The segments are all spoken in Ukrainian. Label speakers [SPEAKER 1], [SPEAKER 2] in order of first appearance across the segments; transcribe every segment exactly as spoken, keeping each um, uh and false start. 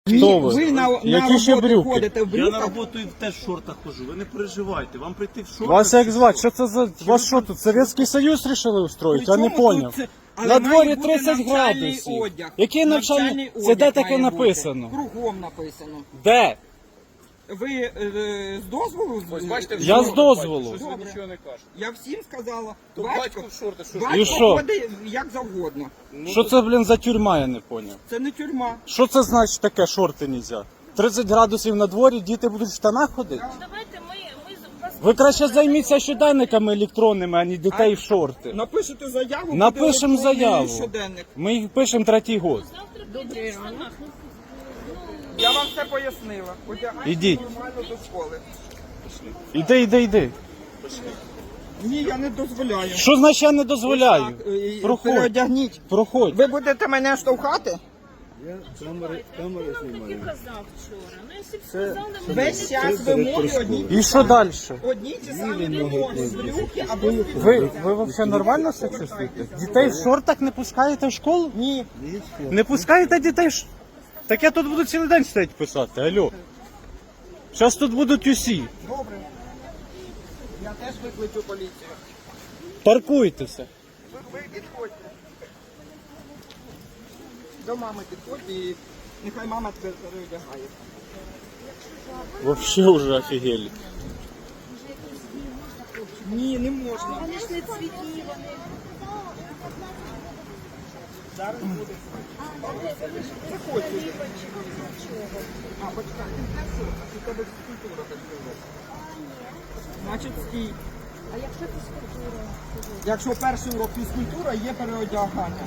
[SPEAKER 1] Хто ви?
[SPEAKER 2] Ви на, на
[SPEAKER 1] Які ще
[SPEAKER 2] роботу
[SPEAKER 1] брюки?
[SPEAKER 2] ходите в
[SPEAKER 3] Я на
[SPEAKER 2] брюках?
[SPEAKER 3] роботу і теж в шортах хожу, ви не переживайте. Вам прийти в шортах.
[SPEAKER 1] Вас як
[SPEAKER 3] чи
[SPEAKER 1] звати? Що це за... Вас що тут, Совєтський Союз рішили устроїти? Я не
[SPEAKER 2] Причому тут
[SPEAKER 1] поняв.
[SPEAKER 2] це- але
[SPEAKER 1] На
[SPEAKER 2] має
[SPEAKER 1] дворі
[SPEAKER 2] бути
[SPEAKER 1] тридцять
[SPEAKER 2] навчальний
[SPEAKER 1] градусів.
[SPEAKER 2] одяг.
[SPEAKER 1] Який навчальний? Це
[SPEAKER 2] одяг
[SPEAKER 1] де таке
[SPEAKER 2] має бути.
[SPEAKER 1] написано?
[SPEAKER 2] Кругом написано.
[SPEAKER 1] Де?
[SPEAKER 2] Ви е, з дозволу?
[SPEAKER 4] Ось бачите, в
[SPEAKER 1] Я
[SPEAKER 4] шортах
[SPEAKER 1] з дозволу.
[SPEAKER 4] бачите, Щось ви
[SPEAKER 2] Добре.
[SPEAKER 4] нічого не кажете.
[SPEAKER 2] Я всім сказала.
[SPEAKER 4] То
[SPEAKER 2] Батько,
[SPEAKER 4] батько в шорти, що ж?
[SPEAKER 2] батько
[SPEAKER 1] І що?
[SPEAKER 2] ходить як завгодно.
[SPEAKER 1] Що це, блін, за тюрма, я не поняв.
[SPEAKER 2] Це не тюрма.
[SPEAKER 1] Що це значить таке, шорти нельзя? тридцять градусів на дворі, діти будуть в штанах ходити?
[SPEAKER 5] Давайте ми, ми з- вас...
[SPEAKER 1] Ви краще займіться щоденниками електронними, а не дітей в шорти.
[SPEAKER 2] Напишете заяву,
[SPEAKER 1] Напишемо
[SPEAKER 2] буде електронний
[SPEAKER 1] заяву.
[SPEAKER 2] щоденник.
[SPEAKER 1] Ми їх пишемо третій год.
[SPEAKER 5] Завтра підемо в штанах. Ну,
[SPEAKER 2] Я вам все пояснила. Одягайтесь
[SPEAKER 1] Ідіть.
[SPEAKER 2] нормально до школи.
[SPEAKER 1] Іди, іди, іди.
[SPEAKER 2] Ні, я не дозволяю.
[SPEAKER 1] Що значить я не дозволяю?
[SPEAKER 2] Так, е,
[SPEAKER 1] Проходь.
[SPEAKER 2] переодягніть.
[SPEAKER 1] Проходь.
[SPEAKER 2] Ви будете мене штовхати?
[SPEAKER 5] камери, камери знімаю. Я казав вчора. Ну, якщо б сказали, ми
[SPEAKER 2] Весь час вимоги одні.
[SPEAKER 1] І що далі?
[SPEAKER 2] Одні ті самі вимоги. Брюки або
[SPEAKER 1] Ви, ви взагалі нормально себе чувствуєте? Дітей в шортах не пускаєте в школу?
[SPEAKER 2] ні.
[SPEAKER 1] Не пускаєте дітей в ш... Так я тут буду цілий день стоять писати, алло. Зараз тут будуть усі.
[SPEAKER 2] Добре. Я теж викличу поліцію.
[SPEAKER 1] Паркуйтеся.
[SPEAKER 2] Ви, ви підходьте. До мами підходьте і нехай мама тебе переодягає.
[SPEAKER 1] Вообще уже офігели.
[SPEAKER 2] Ні, не можна.
[SPEAKER 5] Вони ж не цвітні, вони...
[SPEAKER 2] Зараз буде. Заходь сюди. А, почекай, ти не шорта, у тебе фізкультура так зробила. Значить, стій.
[SPEAKER 5] А якщо це скультура?
[SPEAKER 2] Якщо перший урок фізкультура, є переодягання.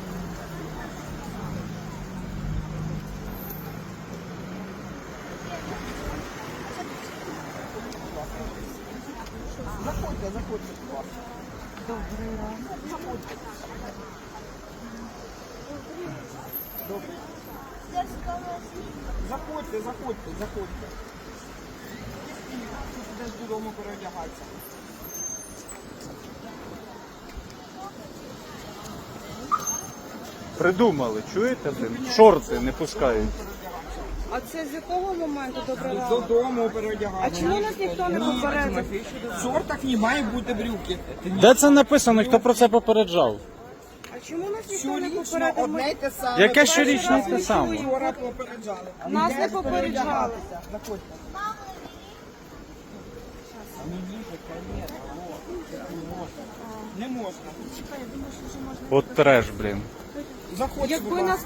[SPEAKER 2] Заходьте, заходьте, будь ласка. Добрий ранок. Заходьте. Добрий. Заходьте, заходьте, заходьте. Ти підеш додому переодягатися.
[SPEAKER 1] Придумали, чуєте, блин? Шорти не пускають.
[SPEAKER 6] А це з якого моменту добре рано?
[SPEAKER 2] Додому переодягатися.
[SPEAKER 6] А чому нас ніхто не попередив?
[SPEAKER 2] В шортах не має бути брюки.
[SPEAKER 1] Де це написано, хто про це попереджав?
[SPEAKER 6] А чому нас ніхто не
[SPEAKER 2] Щорічно
[SPEAKER 6] попередив?
[SPEAKER 2] одне
[SPEAKER 6] Ми-
[SPEAKER 2] й те саме.
[SPEAKER 1] Яке
[SPEAKER 2] Перший
[SPEAKER 1] щорічне
[SPEAKER 2] раз
[SPEAKER 1] те
[SPEAKER 2] ми
[SPEAKER 1] саме?
[SPEAKER 2] вчора попереджали.
[SPEAKER 6] Нас
[SPEAKER 2] Йдеш
[SPEAKER 6] не попереджали.
[SPEAKER 2] переодягатися. Заходьте. Не можна.
[SPEAKER 1] От треш, блін.
[SPEAKER 2] Заходьте, будь
[SPEAKER 6] Якби
[SPEAKER 2] ласка.
[SPEAKER 6] нас